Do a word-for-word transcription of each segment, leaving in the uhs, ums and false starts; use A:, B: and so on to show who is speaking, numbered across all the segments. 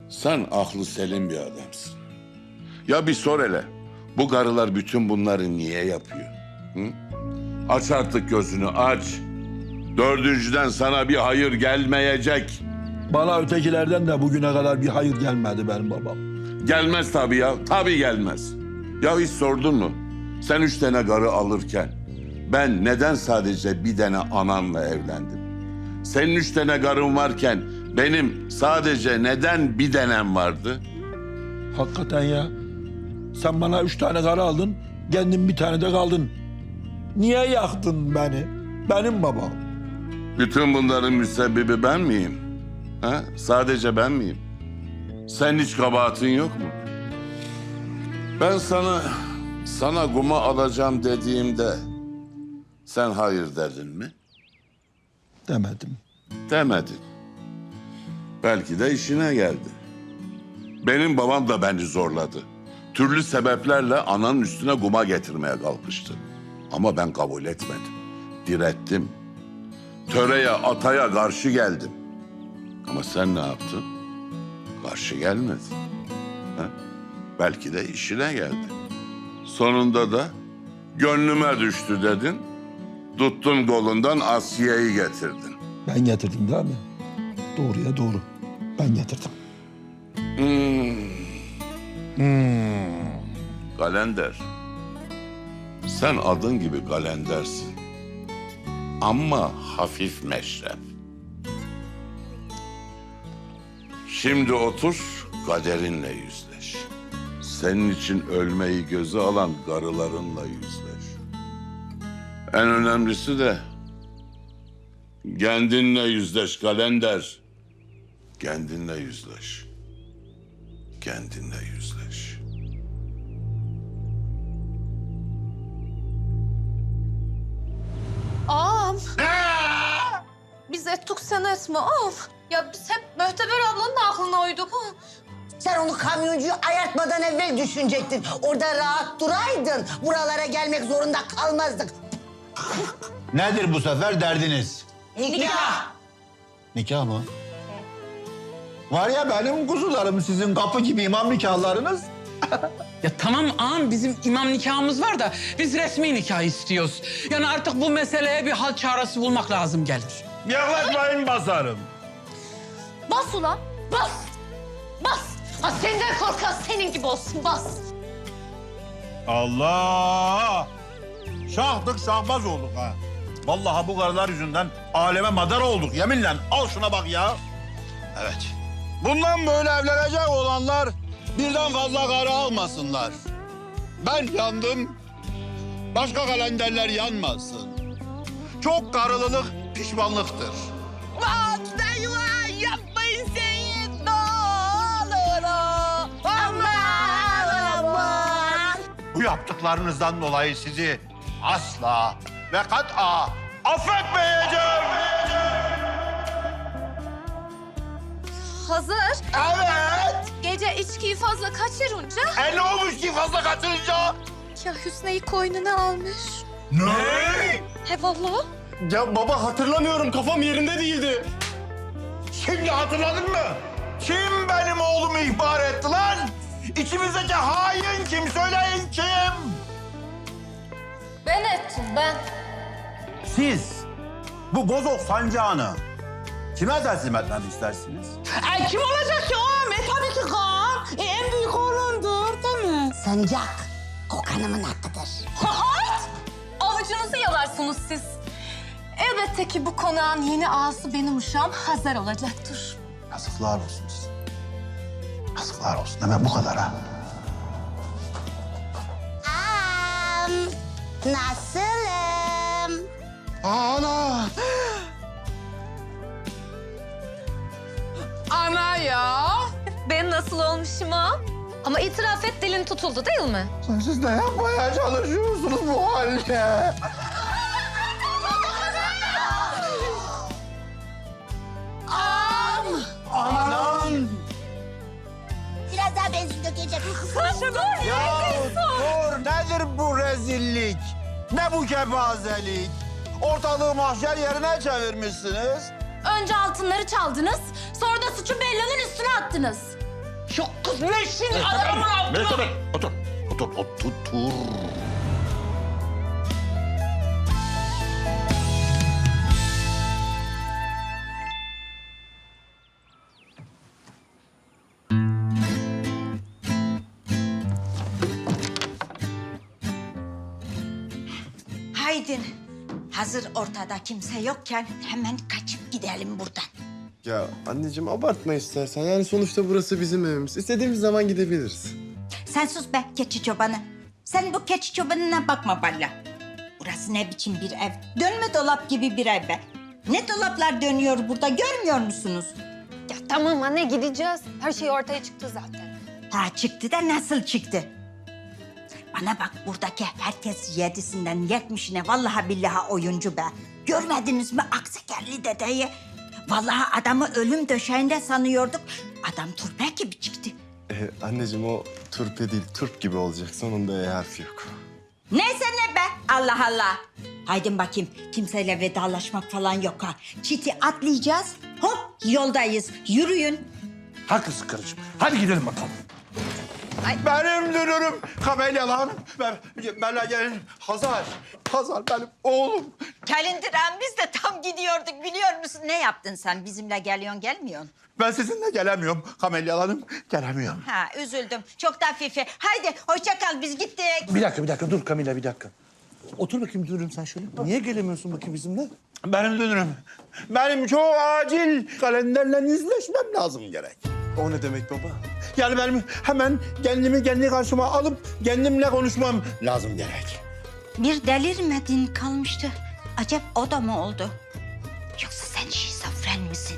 A: Sen aklı selim bir adamsın. Ya bir sor hele. Bu karılar bütün bunları niye yapıyor? Hı? Aç artık gözünü aç. Dördüncüden sana bir hayır gelmeyecek.
B: Bana ötekilerden de bugüne kadar bir hayır gelmedi benim babam.
A: Gelmez tabii ya. Tabii gelmez. Ya hiç sordun mu? Sen üç tane karı alırken ben neden sadece bir tane ananla evlendim? Senin üç tane karın varken benim sadece neden bir tanem vardı?
B: Hakikaten ya. Sen bana üç tane karı aldın, kendin bir tane de kaldın. Niye yaktın beni? Benim babam.
A: Bütün bunların müsebbibi ben miyim? Ha? Sadece ben miyim? Sen hiç kabahatin yok mu? Ben sana, sana kuma alacağım dediğimde sen hayır dedin mi?
B: Demedim.
A: Demedin. Belki de işine geldi. Benim babam da beni zorladı. Türlü sebeplerle ananın üstüne guma getirmeye kalkıştı. Ama ben kabul etmedim. Direttim. Töreye, ataya karşı geldim. Ama sen ne yaptın? Karşı gelmedin. Ha? Belki de işine geldi. Sonunda da gönlüme düştü dedin. Tuttun kolundan Asiye'yi getirdin.
B: Ben getirdim değil mi? Doğruya doğru. Ben getirdim.
A: Hmm. Hmm. Kalender. Sen adın gibi kalendersin. Ama hafif meşrep. Şimdi otur, kaderinle yüzleş. Senin için ölmeyi göze alan karılarınla yüzleş. En önemlisi de kendinle yüzleş kalender. Kendinle yüzleş. Kendinle yüzleş.
C: Ağam. Biz ettik sen etme ağam. Ya biz hep Möhteber ablanın aklına uyduk. Ha?
D: Sen onu kamyoncuyu ayartmadan evvel düşünecektin. Orada rahat duraydın. Buralara gelmek zorunda kalmazdık.
E: Nedir bu sefer derdiniz?
D: Nikah.
E: Nikah mı? Var ya benim kuzularım sizin kapı gibi imam nikahlarınız.
F: Ya tamam ağam bizim imam nikahımız var da biz resmi nikah istiyoruz. Yani artık bu meseleye bir hal çaresi bulmak lazım gelir.
E: Yaklaşmayın basarım.
C: Bas ulan bas. Bas. Ha senden korkan senin gibi olsun bas.
E: Allah! Şahtık şahbaz olduk ha. Vallahi bu karılar yüzünden aleme madar olduk yeminle. Al şuna bak ya. Evet. Bundan böyle evlenecek olanlar birden fazla karı almasınlar. Ben yandım. Başka kalenderler yanmasın. Çok karılılık pişmanlıktır.
D: Yapmayın Seyit ne olur. Aman aman.
E: Bu yaptıklarınızdan dolayı sizi asla ve kat'a affetmeyeceğim.
C: Hazır.
E: Evet.
C: Gece içkiyi fazla kaçırınca
E: E ne olmuş ki fazla kaçırınca?
C: ya Hüsnü'yü koynuna almış.
E: Ne?
C: He vallahi.
G: Ya baba hatırlamıyorum, kafam yerinde değildi.
E: Şimdi hatırladın mı? Kim benim oğlumu ihbar etti lan? İçimizdeki hain kim? Söyleyin kim?
C: Ben ettim ben.
E: Siz bu bozok sancağını kime teslim etmemi istersiniz?
F: Ay kim olacak ki ağam? E tabii ki Kaan. E, en büyük oğlundur değil mi?
D: Sancak kokanımın hakkıdır.
C: Hayt! Avucunuzu yalarsınız siz. Elbette ki bu konağın yeni ağası benim uşağım Hazar olacaktır.
E: Yazıklar olsun size. Yazıklar olsun. Hemen bu kadar ha.
D: Am, nasılım?
E: Ana!
C: Ana ya. Ben nasıl olmuşum ha? Ama itiraf et dilin tutuldu değil mi?
E: Siz ne yapmaya çalışıyorsunuz bu halde? Anam!
D: Biraz daha benzin dökeceğim.
C: Dur
E: Ya dur, nedir bu rezillik? Ne bu kepazelik? Ortalığı mahşer yerine çevirmişsiniz.
C: Önce altınları çaldınız, sonra da suçu Bella'nın üstüne attınız.
F: Şu kız ben şimdi adamın altına...
E: Mertebe otur. Otur, otur, otur.
D: Haydin. Hazır ortada kimse yokken hemen kaçıp gidelim buradan.
G: Ya anneciğim abartma istersen. Yani sonuçta burası bizim evimiz. İstediğimiz zaman gidebiliriz.
D: Sen sus be keçi çobanı. Sen bu keçi çobanına bakma valla. Burası ne biçim bir ev? Dönme dolap gibi bir ev be. Ne dolaplar dönüyor burada görmüyor musunuz?
H: Ya tamam anne gideceğiz. Her şey ortaya çıktı zaten.
D: Ha çıktı da nasıl çıktı? Bana bak buradaki herkes yedisinden yetmişine vallahi billahi oyuncu be. Görmediniz mi aksekerli dedeyi? Vallahi adamı ölüm döşeğinde sanıyorduk. Adam turpe gibi çıktı.
G: Ee, anneciğim o turpe değil, turp gibi olacak. Sonunda E harfi yok.
D: Neyse ne be Allah Allah. Haydin bakayım kimseyle vedalaşmak falan yok ha. Çiti atlayacağız hop yoldayız yürüyün.
B: Haklısın karıcığım. Hadi gidelim bakalım.
E: Benim dünürüm Kamelya Hanım. Ben, benle gelin. Hazar. Hazar benim oğlum.
D: Kalindiran biz de tam gidiyorduk biliyor musun? Ne yaptın sen bizimle geliyorsun gelmiyorsun?
E: Ben sizinle gelemiyorum Kamelya Hanım. Gelemiyorum.
D: Ha üzüldüm çok da fifi. Haydi hoşça kal biz gittik.
B: Bir dakika, bir dakika. Dur Kamila, bir dakika. Otur bakayım dönürüm sen şöyle. Niye gelemiyorsun bakayım bizimle?
E: Benim dünürüm. Benim çok acil kalenderle yüzleşmem lazım gerek.
G: O ne demek baba?
E: Yani benim hemen kendimi kendi karşıma alıp kendimle konuşmam lazım gerek.
D: Bir delirmedin kalmıştı. Acep o da mı oldu? Yoksa sen şizofren misin?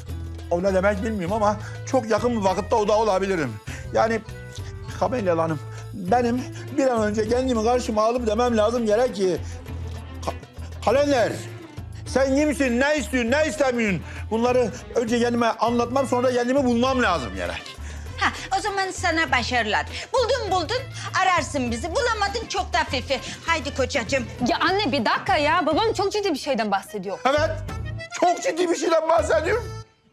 E: O ne demek bilmiyorum ama çok yakın bir vakitte o da olabilirim. Yani Kamelya Hanım benim bir an önce kendimi karşıma alıp demem lazım gerek ki... Ka- Kalender sen kimsin, ne istiyorsun, ne istemiyorsun? Bunları önce kendime anlatmam sonra kendimi bulmam lazım gerek.
D: Ha o zaman sana başarılar. Buldun buldun ararsın bizi. Bulamadın çok da fifi. Haydi kocacığım.
H: Ya anne bir dakika ya. Babam çok ciddi bir şeyden bahsediyor.
E: Evet, çok ciddi bir şeyden bahsediyorum.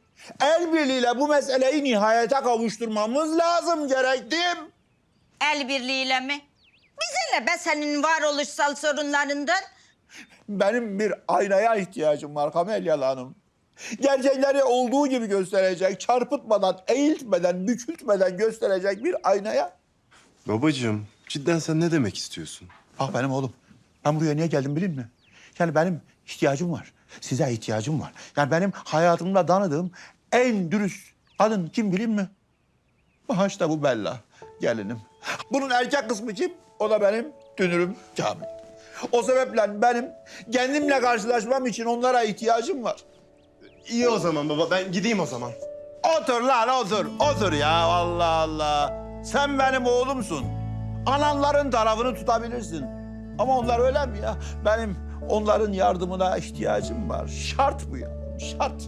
E: El birliğiyle bu meseleyi nihayete kavuşturmamız lazım gerektim.
D: El birliğiyle mi? Bize ne be senin varoluşsal sorunlarından?
E: Benim bir aynaya ihtiyacım var Kamelya Hanım. Gerçekleri olduğu gibi gösterecek, çarpıtmadan, eğiltmeden, bükültmeden gösterecek bir aynaya.
G: Babacığım cidden sen ne demek istiyorsun?
E: Bak benim oğlum, ben buraya niye geldim bilin mi? Yani benim ihtiyacım var, size ihtiyacım var. Yani benim hayatımda tanıdığım en dürüst kadın kim bilin mi? Aha işte bu Bella, gelinim. Bunun erkek kısmı kim? O da benim dünürüm Kamil. O sebeple benim kendimle karşılaşmam için onlara ihtiyacım var.
G: İyi o zaman baba ben gideyim o zaman.
E: Otur lan otur, otur ya Allah Allah. Sen benim oğlumsun. Ananların tarafını tutabilirsin. Ama onlar öyle mi ya? Benim onların yardımına ihtiyacım var. Şart bu ya, şart.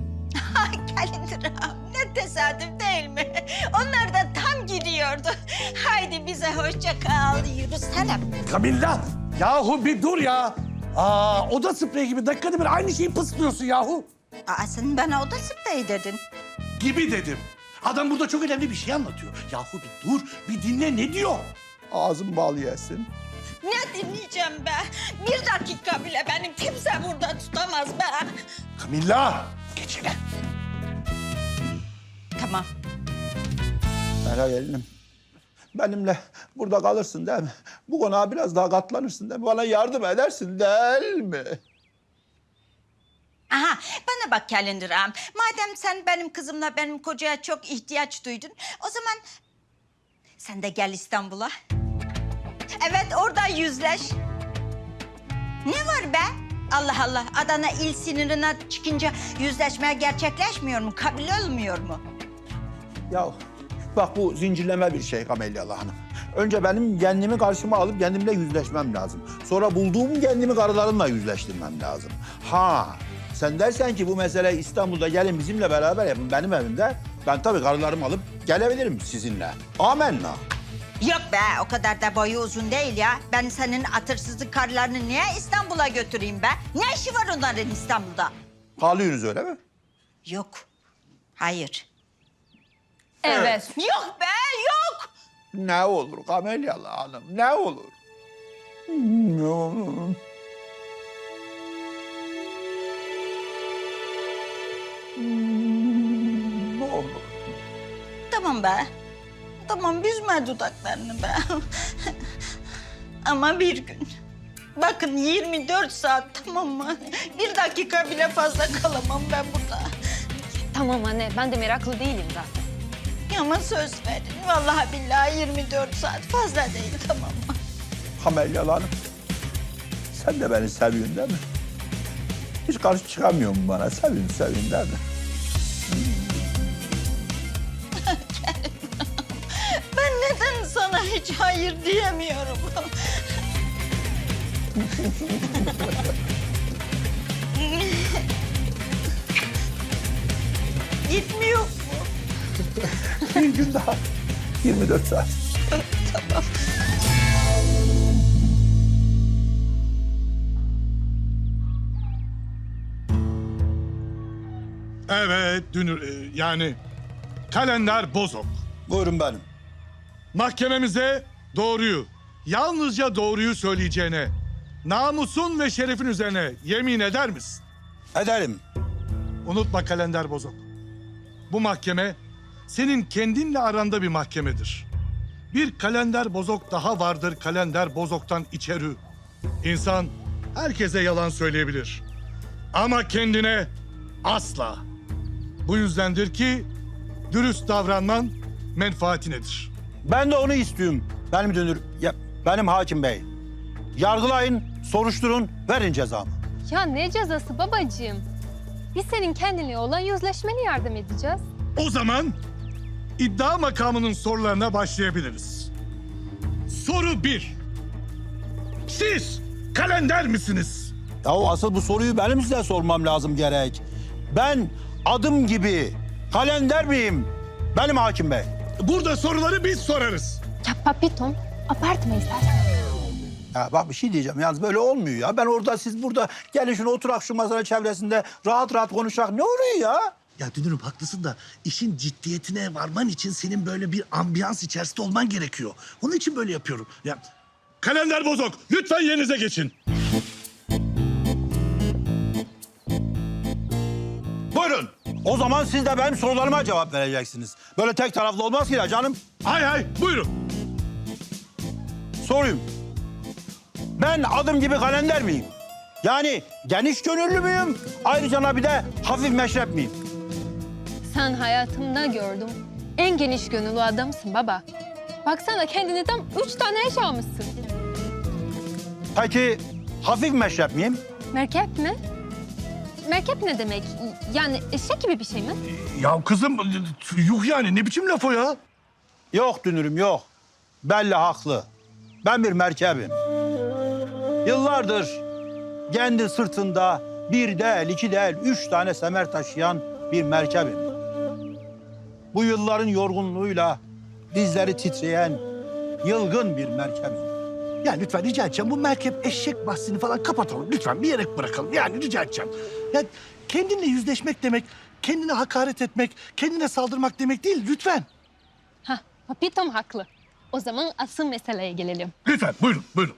D: Kalindiram ne tesadüf değil mi? Onlar da tam gidiyordu. Haydi bize hoşça kal yürüsene.
B: Kamilla! Yahu bir dur ya. Aa, oda spreyi gibi dakikada bir aynı şeyi pıslıyorsun yahu.
D: Aa sen bana oda spreyi dedin.
B: Gibi dedim. Adam burada çok önemli bir şey anlatıyor. Yahu bir dur, bir dinle ne diyor?
E: Ağzım bal yesin.
D: Ne dinleyeceğim be? Bir dakika bile benim kimse burada tutamaz be.
B: Kamilla! Geç hele.
D: Tamam.
E: Merak gelinim. Benimle burada kalırsın değil mi? Bu konuğa biraz daha katlanırsın değil mi? Bana yardım edersin değil mi?
D: Aha bana bak Kalindiram. Madem sen benim kızımla benim kocaya çok ihtiyaç duydun... o zaman sen de gel İstanbul'a. Evet orada yüzleş. Ne var be? Allah Allah Adana il sınırına çıkınca yüzleşme gerçekleşmiyor mu? Kabul olmuyor mu?
E: Ya bak bu zincirleme bir şey Kamelya Hanım. Önce benim kendimi karşıma alıp kendimle yüzleşmem lazım. Sonra bulduğum kendimi karılarımla yüzleştirmem lazım. Ha sen dersen ki bu mesele İstanbul'da gelin bizimle beraber yapın benim evimde. Ben tabii karılarımı alıp gelebilirim sizinle. Amenna.
D: Yok be o kadar da boyu uzun değil ya. Ben senin atırsızlık karılarını niye İstanbul'a götüreyim be? Ne işi var onların İstanbul'da?
E: Kalıyorsunuz öyle mi?
D: Yok. Hayır.
H: Evet.
D: Yok be, yok.
B: Ne olur Kamelyalı Hanım, ne olur? Ne olur? Ne olur?
D: Tamam be. Tamam, büzme dudaklarını be. Ama bir gün. Bakın yirmi dört saat, tamam mı? Bir dakika bile fazla kalamam ben burada.
H: Tamam anne, ben de meraklı değilim zaten.
D: Ama söz verin. Vallahi billahi yirmi dört saat fazla değil, tamam mı?
B: Kamelyalı Hanım, sen de beni seviyorsun değil mi? Hiç karşı çıkamıyor mu bana? Seviyorsun, seviyorsun değil mi?
D: Ben neden sana hiç hayır diyemiyorum? Gitmiyor mu?
B: Bir gün daha, yirmi dört saat.
I: Evet, Dünür, e, yani Kalender Bozok.
B: Buyurun benim.
I: Mahkememize doğruyu, yalnızca doğruyu söyleyeceğine, namusun ve şerefin üzerine yemin eder misin?
B: Ederim.
I: Unutma Kalender Bozok. Bu mahkeme senin kendinle aranda bir mahkemedir. Bir Kalender Bozok daha vardır Kalender Bozok'tan içeri. İnsan herkese yalan söyleyebilir. Ama kendine asla. Bu yüzdendir ki dürüst davranman menfaatinedir.
J: Ben de onu istiyorum. Benim dönür, ya, benim hakim bey. Yargılayın, soruşturun, verin cezamı.
H: Ya ne cezası babacığım? Biz senin kendine olan yüzleşmene yardım edeceğiz.
I: O zaman iddia makamının sorularına başlayabiliriz. Soru bir. Siz kalender misiniz?
J: Ya o asıl bu soruyu benim size sormam lazım gerek. Ben adım gibi kalender miyim? Benim hakim bey.
I: Burada soruları biz sorarız.
H: Ya papitom, abartma istersen.
J: Ya bak bir şey diyeceğim. Yalnız böyle olmuyor ya. Ben orada, siz burada. Gelin şunu oturak şu masa çevresinde rahat rahat konuşak. Ne oluyor ya?
K: Ya Dünür'üm haklısın da işin ciddiyetine varman için senin böyle bir ambiyans içerisinde olman gerekiyor. Onun için böyle yapıyorum. Ya
I: Kalender Bozok, lütfen yerinize geçin.
J: Buyurun. O zaman siz de benim sorularıma cevap vereceksiniz. Böyle tek taraflı olmaz ki ya canım.
I: Hay hay, buyurun.
J: Sorayım. Ben adım gibi kalender miyim? Yani geniş gönüllü müyüm? Ayrıca bir de hafif meşrep miyim?
H: Sen hayatımda gördüm. En geniş gönüllü adamsın baba. Baksana kendine tam üç tane eş almışsın.
J: Peki hafif meşrep miyim?
H: Merkep mi? Merkep ne demek? Yani eşek gibi bir şey mi?
I: Ya kızım, yuh yani ne biçim laf o ya?
J: Yok dünürüm yok. Belli haklı. Ben bir merkebim. Yıllardır kendi sırtında bir değil, iki değil, üç tane semer taşıyan bir merkebim. Bu yılların yorgunluğuyla dizleri titreyen yılgın bir merkebim.
K: ya lütfen rica edeceğim bu merkep eşek bahsini falan kapatalım. Lütfen bir yere bırakalım. Yani rica edeceğim. Ya kendinle yüzleşmek demek, kendine hakaret etmek, kendine saldırmak demek değil. Lütfen.
H: Hah, papitom haklı. O zaman asıl meseleye gelelim.
I: Lütfen, buyurun, buyurun.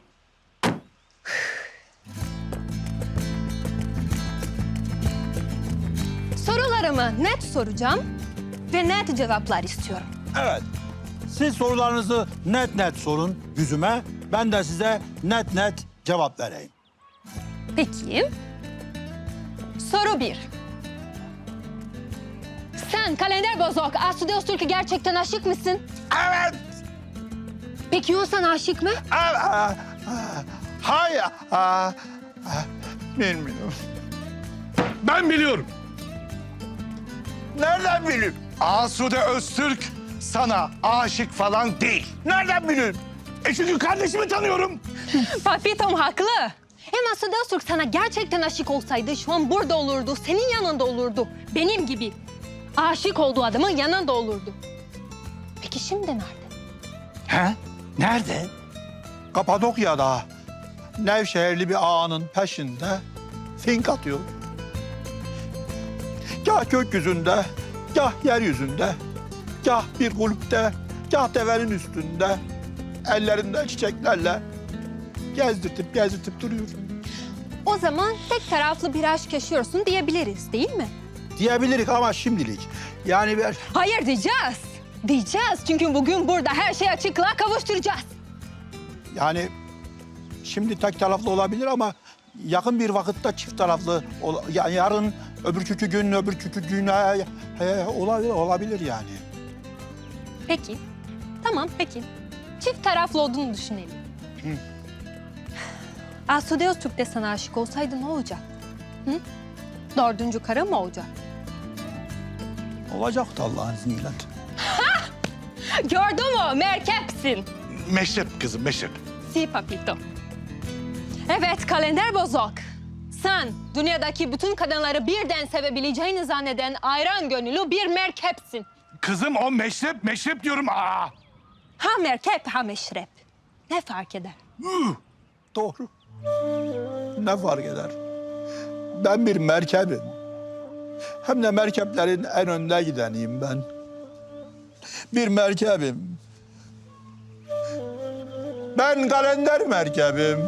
H: Sorularımı net soracağım ve net cevaplar istiyorum.
J: Evet. Siz sorularınızı net net sorun yüzüme. Ben de size net net cevap vereyim.
H: Peki. Soru bir. Sen Kalender Bozok, Asude Öztürk'e gerçekten aşık mısın?
J: Evet.
H: Peki o sana aşık mı?
J: Evet. Hayır. Aa, bilmiyorum.
I: Ben biliyorum.
J: Nereden bileyim?
K: Asude Öztürk sana aşık falan değil.
J: Nereden bileyim?
I: E çünkü kardeşimi tanıyorum.
H: Papitom haklı. Hem Asude Öztürk sana gerçekten aşık olsaydı şu an burada olurdu, senin yanında olurdu. Benim gibi aşık olduğu adamın yanında olurdu. Peki şimdi nerede?
J: He? Nerede? Kapadokya'da Nevşehirli bir ağanın peşinde fink atıyor. Gah gökyüzünde, gah yeryüzünde Kah bir kulüpte, kah devenin üstünde, ellerinde çiçeklerle gezdirtip gezdirtip duruyor.
H: O zaman tek taraflı bir aşk yaşıyorsun diyebiliriz değil mi?
J: Diyebilirik ama şimdilik. Yani ben...
H: Hayır diyeceğiz. Diyeceğiz çünkü bugün burada her şeyi açıklığa kavuşturacağız.
J: Yani şimdi tek taraflı olabilir ama yakın bir vakitte çift taraflı. ol- Yani yarın, öbürkü gün, öbürkü gün he, he, olabilir, olabilir yani.
H: Peki. Tamam peki. Çift taraflı olduğunu düşünelim.
J: Hı.
H: Asude Öztürk de sana aşık olsaydı ne olacak? Hı? Dördüncü karı mı olacak?
J: Olacaktı Allah'ın izniyle.
H: Gördün mü? Merkepsin.
K: Meşrep kızım, meşrep.
H: Si papito. Evet kalender bozok. Sen dünyadaki bütün kadınları birden sevebileceğini zanneden ayran gönüllü bir merkepsin.
K: Kızım o meşrep, meşrep diyorum. Aa!
H: Ha merkep ha meşrep. Ne fark eder?
J: Doğru. Ne fark eder? Ben bir merkebim. Hem de merkeplerin en önde gideniyim ben. Bir merkebim. Ben kalender merkebim.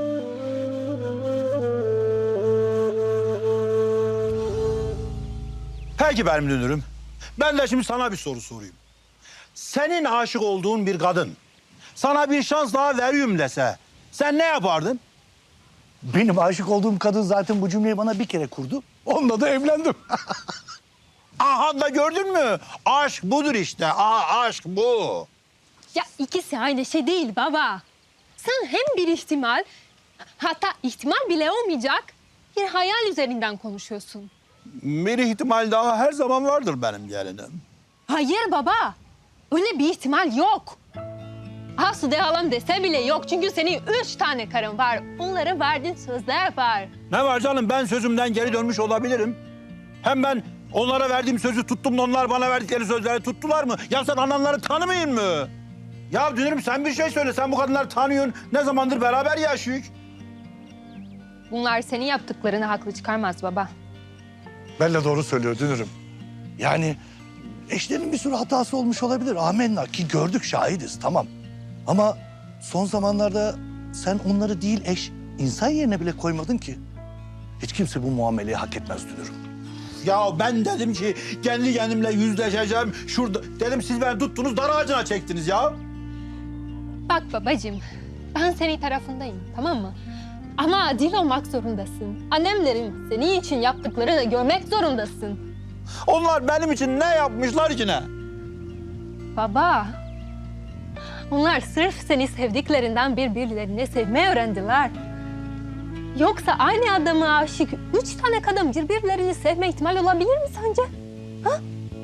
J: Peki benim dünürüm. Ben de şimdi sana bir soru sorayım. Senin aşık olduğun bir kadın sana bir şans daha veriyorum dese sen ne yapardın?
K: Benim aşık olduğum kadın zaten bu cümleyi bana bir kere kurdu. Onunla da evlendim.
J: Aha da gördün mü? Aşk budur işte. Aa, aşk bu.
H: Ya ikisi aynı şey değil baba. Sen hem bir ihtimal, hatta ihtimal bile olmayacak bir hayal üzerinden konuşuyorsun.
J: Bir ihtimal daha her zaman vardır benim gelinim.
H: Hayır baba, öyle bir ihtimal yok. Asude halam dese bile yok çünkü senin üç tane karın var. Onlara verdiğin sözler var.
J: Ne var canım, ben sözümden geri dönmüş olabilirim. Hem ben onlara verdiğim sözü tuttum da onlar bana verdikleri sözleri tuttular mı? Ya sen ananları tanımayın mı? Ya dünürüm sen bir şey söyle. Sen bu kadınları tanıyorsun. Ne zamandır beraber yaşıyoruz?
H: Bunlar senin yaptıklarını haklı çıkarmaz baba.
K: Ben de doğru söylüyor dünürüm. Yani eşlerin bir sürü hatası olmuş olabilir. Amenna ki gördük, şahidiz, tamam. Ama son zamanlarda sen onları değil eş, insan yerine bile koymadın ki. Hiç kimse bu muameleyi hak etmez dünürüm.
J: Ya ben dedim ki kendi kendimle yüzleşeceğim. Şurada dedim, siz beni tuttunuz, dar ağacına çektiniz ya.
H: Bak babacığım, ben senin tarafındayım, tamam mı? Ama adil olmak zorundasın. Annemlerin senin için yaptıklarını görmek zorundasın.
J: Onlar benim için ne yapmışlar ki ne?
H: Baba, onlar sırf seni sevdiklerinden birbirlerini sevmeyi öğrendiler. Yoksa aynı adama aşık üç tane kadın birbirlerini sevme ihtimali olabilir mi sence? Ha?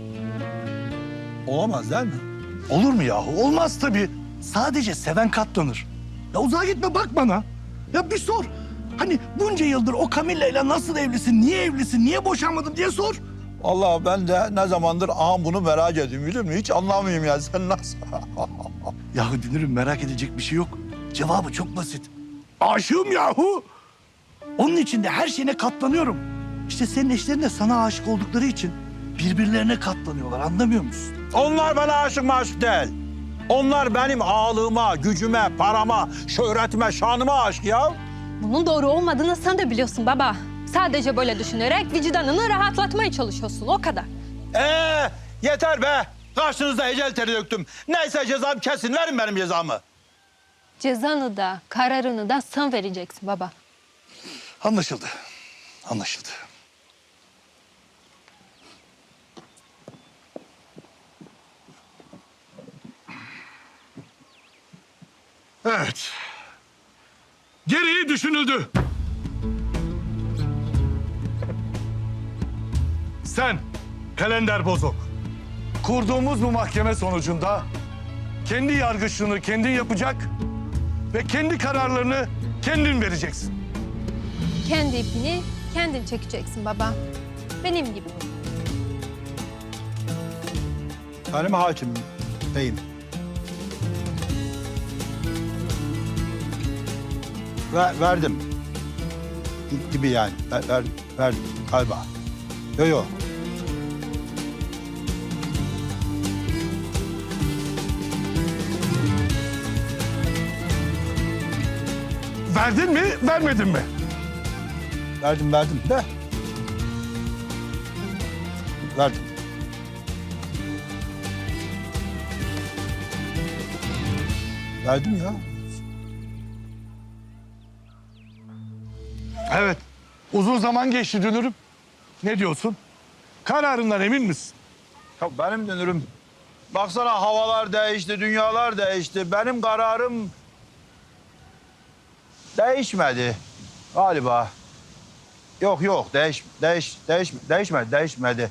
J: Olamaz değil mi?
K: Olur mu yahu? Olmaz tabii. Sadece seven katlanır. Ya uzağa gitme, bak bana. Ya bir sor. Hani bunca yıldır o Camilla ile nasıl evlisin, niye evlisin, niye boşanmadın diye sor.
J: Allah ben de ne zamandır aha bunu merak ediyorum, biliyor musun? Hiç anlamıyorum ya, sen nasıl?
K: Yahu dünürüm, merak edecek bir şey yok. Cevabı çok basit. Aşığım yahu. Onun için de her şeyine katlanıyorum. İşte senin eşlerin de sana aşık oldukları için birbirlerine katlanıyorlar, anlamıyor musun?
J: Onlar bana aşık maşık değil. Onlar benim ağlığıma, gücüme, parama, şöhretime, şanıma aşık ya.
H: Bunun doğru olmadığını sen de biliyorsun baba. Sadece böyle düşünerek vicdanını rahatlatmaya çalışıyorsun, o kadar.
J: Ee, yeter be. Karşınızda ecel teri döktüm. Neyse cezam kesin, verin benim cezamı.
H: Cezanı da, kararını da sen vereceksin baba.
K: Anlaşıldı. Anlaşıldı.
I: Evet. Gereği düşünüldü. Sen, Kalender Bozok, kurduğumuz bu mahkeme sonucunda kendi yargıçlığını kendin yapacak ve kendi kararlarını kendin vereceksin.
H: Kendi ipini kendin çekeceksin baba. Benim gibi.
J: Benim hakimim deyim. Ver, verdim. Gibi yani. Ver, ver, verdim galiba. Yok yok.
I: verdin mi, vermedin mi?
J: Verdim verdim de. Verdim. Verdim ya.
I: Evet. Uzun zaman geçti Dünürüm. Ne diyorsun? Kararından emin misin?
J: Ya benim dönürüm. Baksana havalar değişti, dünyalar değişti. Benim kararım değişmedi galiba. Yok yok değiş değiş değiş değişmedi değişmedi.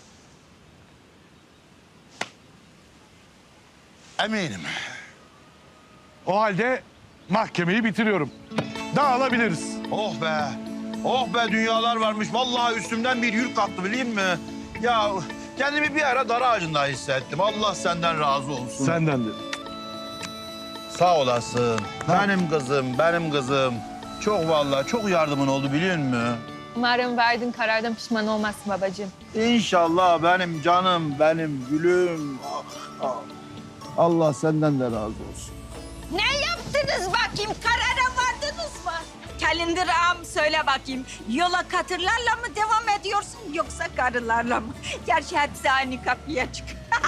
I: Eminim. O halde mahkemeyi bitiriyorum. Dağılabiliriz.
J: Oh be. Oh be dünyalar varmış. Vallahi üstümden bir yük kalktı bileyim mi? Ya kendimi bir ara dar ağacında hissettim. Allah senden razı olsun.
I: Senden de.
J: Sağ olasın. Benim kızım, benim kızım. Çok vallahi çok yardımın oldu biliyor musun?
H: Umarım verdiğin karardan pişman olmazsın babacığım.
J: İnşallah benim canım, benim gülüm. Ah, ah. Allah senden de razı olsun.
D: Ne yaptınız bakayım? Karara vardınız mı? Kalender ağam söyle bakayım. Yola katırlarla mı devam ediyorsun yoksa karılarla mı? Gerçi hepsi aynı kapıya çık.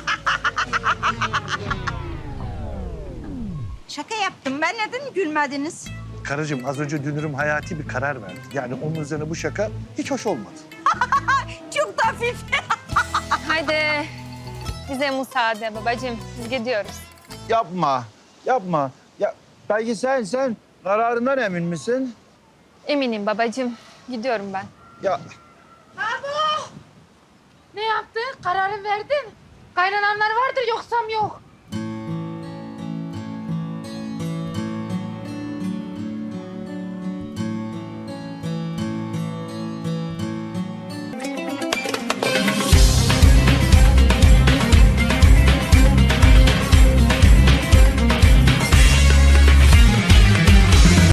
D: Şaka yaptım ben. Neden gülmediniz?
K: Karıcığım az önce Dünürüm hayati bir karar verdi. Yani onun üzerine bu şaka hiç hoş olmadı.
D: Çok da hafif.
H: Haydi bize müsaade babacığım. Biz gidiyoruz.
J: Yapma, yapma. Ya belki sen, sen kararından emin misin?
H: Eminim babacığım. Gidiyorum ben.
J: Ya
C: Ne yaptın? Kararı verdin. Kaynananlar vardır yoksam yok.